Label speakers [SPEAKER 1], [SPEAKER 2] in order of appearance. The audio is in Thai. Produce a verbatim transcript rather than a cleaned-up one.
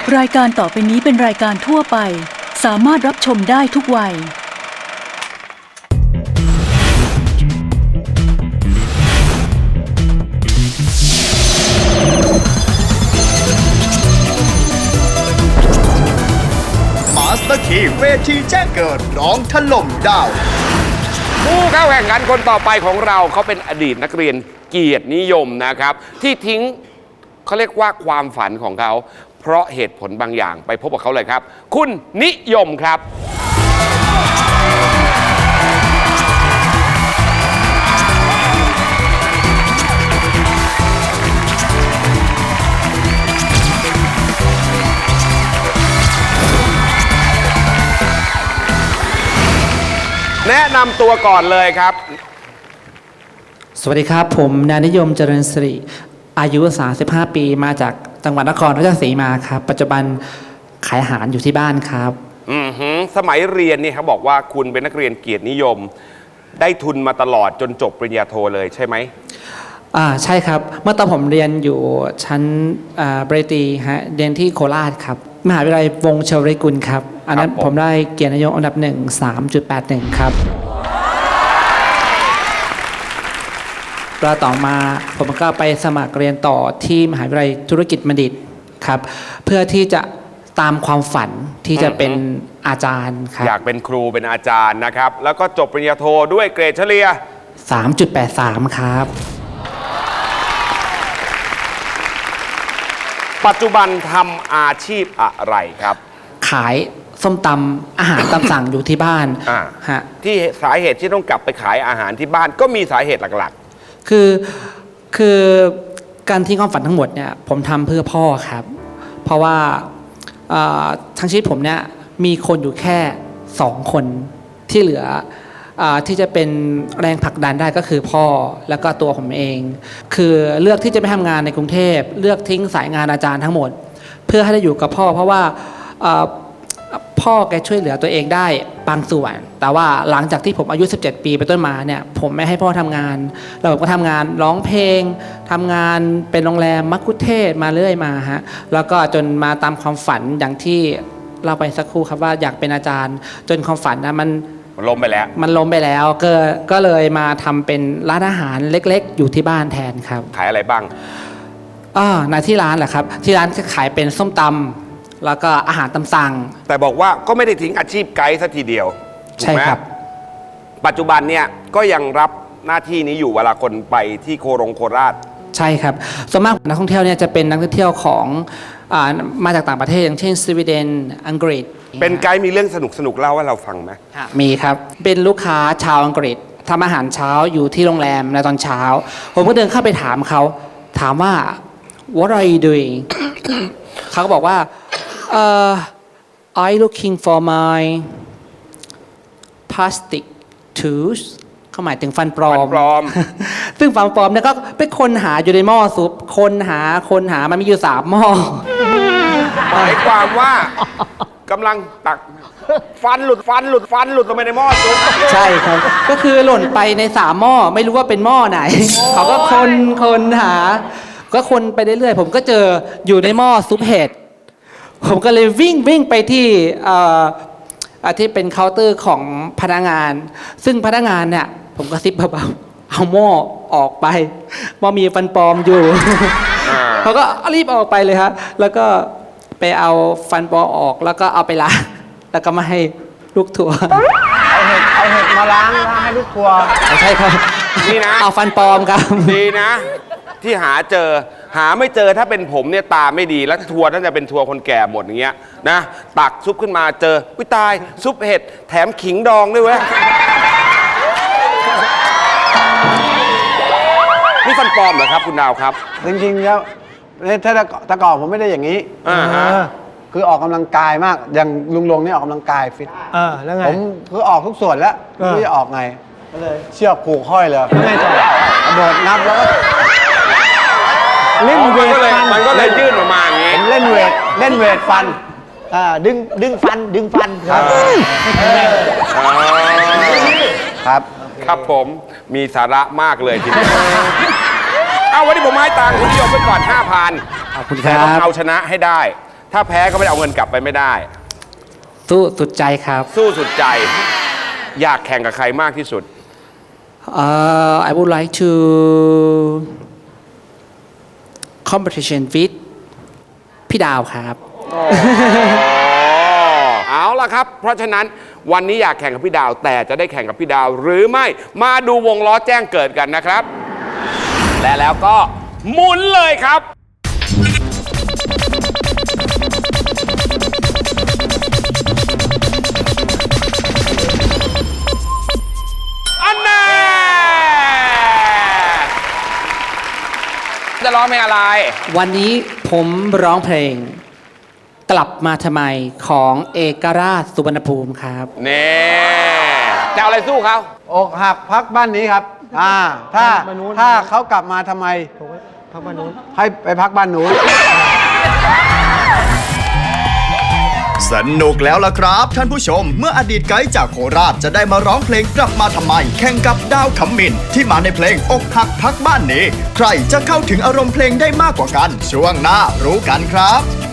[SPEAKER 1] รายการต่อไปนี้เป็นรายการทั่วไปสามารถรับชมได้ทุกวัย
[SPEAKER 2] มาสเตอร์คีเวทีแจ้งเกิดร้องถล่มดาว
[SPEAKER 3] ผู้เข้าแข่งขันคนต่อไปของเราเขาเป็นอดีตนักเรียนเกียรตินิยมนะครับที่ทิ้งเขาเรียกว่าความฝันของเขาเพราะเหตุผลบางอย่างไปพบกับเขาเลยครับคุณนิยมครับแนะนำตัวก่อนเลยครับ
[SPEAKER 4] สวัสดีครับผมนายนิยมเจริญสิริอายุสามสิบห้าปีมาจากจังหวัดนครราชสีมาครับปัจจุบันขายอาหารอยู่ที่บ้านครับ
[SPEAKER 3] อือหือสมัยเรียนนี่เขาบอกว่าคุณเป็นนักเรียนเกียรตินิยมได้ทุนมาตลอดจนจบปริญญาโทเลยใช่ไหม
[SPEAKER 4] อ่าใช่ครับเมื่อตอนผมเรียนอยู่ชั้นปริญญาตรีฮะเรียนที่โคราชครับมหาวิทยาลัยวงศ์เชวริกุลครับอันนั้นผมได้เกียรตินิยมอันดับหนึ่ง สามจุดแปดหนึ่ง ครับแล้วต่อมาผมก็ไปสมัครเรียนต่อที่มหาวิทยาลัยธุรกิจบัณฑิตครับเพื่อที่จะตามความฝันที่จะเป็นอาจารย์ครับ
[SPEAKER 3] อยากเป็นครูเป็นอาจารย์นะครับแล้วก็จบปริญญาโทด้วยเกรดเฉลี่ย
[SPEAKER 4] สามจุดแปดสาม ครับ
[SPEAKER 3] ปัจจุบันทำอาชีพอะไรครับ
[SPEAKER 4] ขายส้มตำอาหารตามสั่งอยู่ที่บ้าน
[SPEAKER 3] ฮะที่สาเหตุที่ต้องกลับไปขายอาหารที่บ้านก็มีสาเหตุหลัก
[SPEAKER 4] ๆคือคือการทิ้งความฝันทั้งหมดเนี่ยผมทำเพื่อพ่อครับเพราะว่าทั้งชีวิตผมเนี่ยมีคนอยู่แค่สองคนที่เหลือที่จะเป็นแรงผลักดันได้ก็คือพ่อแล้วก็ตัวผมเองคือเลือกที่จะไม่ทำงานในกรุงเทพเลือกทิ้งสายงานอาจารย์ทั้งหมดเพื่อให้ได้อยู่กับพ่อเพราะว่าพ่อแกช่วยเหลือตัวเองได้บางส่วนแต่ว่าหลังจากที่ผมอายุสิบเจ็ดปีไปต้นมาเนี่ยผมไม่ให้พ่อทำงานแล้วผมก็ทำงานร้องเพลงทำงานเป็นโรงแรมมัคคุเทศก์มาเรื่อยมาฮะแล้วก็จนมาตามความฝันอย่างที่เราไปสักครู่ครับว่าอยากเป็นอาจารย์จนความฝันนะมัน
[SPEAKER 3] ล้มไปแล้ว
[SPEAKER 4] มันล้มไปแล้วก็ก็เลยมาทำเป็นร้านอาหารเล็กๆอยู่ที่บ้านแทนครับ
[SPEAKER 3] ขายอะไรบ้าง
[SPEAKER 4] อ่าในที่ร้านแหละครับที่ร้านจะขายเป็นส้มตำแล้วก็อาหารตามสั่ง
[SPEAKER 3] แต่บอกว่าก็ไม่ได้ทิ้งอาชีพไกด์สักทีเดียว
[SPEAKER 4] ใช่ครับ
[SPEAKER 3] ปัจจุบันเนี่ยก็ยังรับหน้าที่นี้อยู่เวลาคนไปที่โครงโคราช
[SPEAKER 4] ใช่ครับส่วนมากนักท่องเที่ยวเนี่ยจะเป็นนักท่องเที่ยวของมาจากต่างประเทศอย่างเช่นสวีเดนอังกฤษ
[SPEAKER 3] เป็นไกด์มีเรื่องสนุกสนุกเล่าให้เราฟังไหม
[SPEAKER 4] มีครับเป็นลูกค้าชาวอังกฤษทำอาหารเช้าอยู่ที่โรงแรมในตอนเช้าผมก็เดินเข้าไปถามเขาถามว่า what are you doing เขาก็บอกว่า uh, I looking for my plastic tooth เขาหมายถึงฟันปลอม ซึ่งฟันปลอมเนี่ยก็ไปคนหาอยู่ในหม้อซุปคนหาคนหามันมีอยู่สามหม้อ
[SPEAKER 3] หมายความว่ากำลังตักฟันหลุดฟันหลุดฟันหลุดลงไปในหม้อซุป
[SPEAKER 4] ใช่ครับก็คือหล่นไปในสามหม้อไม่รู้ว่าเป็นหม้อไหนเขาก็คนคนหาก็คนไปเรื่อยๆผมก็เจออยู่ในหม้อซุปเห็ดผมก็เลยวิ่งวิ่งไปที่ที่เป็นเคาน์เตอร์ของพนักงานซึ่งพนักงานเนี่ยผมก็ซิบเบาๆเอาหม้อออกไปหม้อมีฟันปลอมอยู่เขาก็รีบออกไปเลยครับแล้วก็ไปเอาฟันปลอมออกแล้วก็เอาไปล้างแล้วก็มาให้ลูกทัวร์
[SPEAKER 5] เอาเห็ดเอาเห็ดมาล้างล้างให้ลูกทัวร์
[SPEAKER 4] ใช่ครับ
[SPEAKER 3] นี่นะ
[SPEAKER 4] เอาฟันปลอมครับ
[SPEAKER 3] ดีนะที่หาเจอหาไม่เจอถ้าเป็นผมเนี่ยตาไม่ดีแล้วทัวร์น่าจะเป็นทัวร์คนแก่หมดอย่างเงี้ยนะตักซุปขึ้นมาเจอวิตายซุปเห็ดแถมขิงดองด้วยเว้ยนี่ฟันปลอมเหรอครับคุณดาวครับ
[SPEAKER 5] จริงๆแล้วถ้าตะก่อนผมไม่ได้อย่างนี้คือออกกำลังกายมากอย่างลุงลงนี่ออกกำลังกายฟิต
[SPEAKER 6] เออแล้วไง
[SPEAKER 5] ผมคือออกทุกส่วนแล้วไม่รู้จะออกไงก็เลยเชือกผูกห้อยเลย
[SPEAKER 6] แล้วไงต่อก
[SPEAKER 5] ระโดดนับแล้วก็
[SPEAKER 3] เล่นเวทฟันมันก็เลยยื่นออกมาอย่างงี้
[SPEAKER 5] ผมเล่นเวทเล่นเวทฟัน
[SPEAKER 6] อ่าดึงดึงฟันดึงฟัน
[SPEAKER 5] ครับครับ
[SPEAKER 3] ครับผมมีสาระมากเลยทีเดียวเอาวันนี้ผมให้ตังค์คุณนิยมไปก่อน ห้าพัน
[SPEAKER 4] ขอบคุณครับ
[SPEAKER 3] ต้องเอาชนะให้ได้ถ้าแพ้ก็ไม่ได้เอาเงินกลับไปไม่ได้
[SPEAKER 4] สู้สุดใจครับ
[SPEAKER 3] สู้สุดใจ อยากแข่งกับใครมากที่สุด
[SPEAKER 4] Uh, I would like to competition with พี่ดาวครับ
[SPEAKER 3] เอาล่ะครับ เพราะฉะนั้นวันนี้อยากแข่งกับพี่ดาว แต่จะได้แข่งกับพี่ดาวหรือไม่มาดูวงล้อแจ้งเกิดกันนะครับ และแล้วก็หมุนเลยครับ อันแน่จะร้องเพลงอะไร
[SPEAKER 4] วันนี้ผมร้องเพลงกลับมาทำไมของเอกราชสุวรรณภูมิครับ
[SPEAKER 3] นี่จะเอาอะไรสู้เขา
[SPEAKER 5] อกหักพักบ้านนี้ครับ อ่า ถ้าถ้าเขากลับมาทำไมพักบ้านนู้นให้ไปพักบ้านนู้น
[SPEAKER 2] สนุกแล้วล่ะครับท่านผู้ชม เมื่ออดีตไกด์จากโคราชจะได้มาร้องเพลงกลับมาทำไม แข่งกับดาวขมินที่มาในเพลงอกหักพักบ้านนี้ ใครจะเข้าถึงอารมณ์เพลงได้มากกว่ากัน ช่วงหน้ารู้กันครับ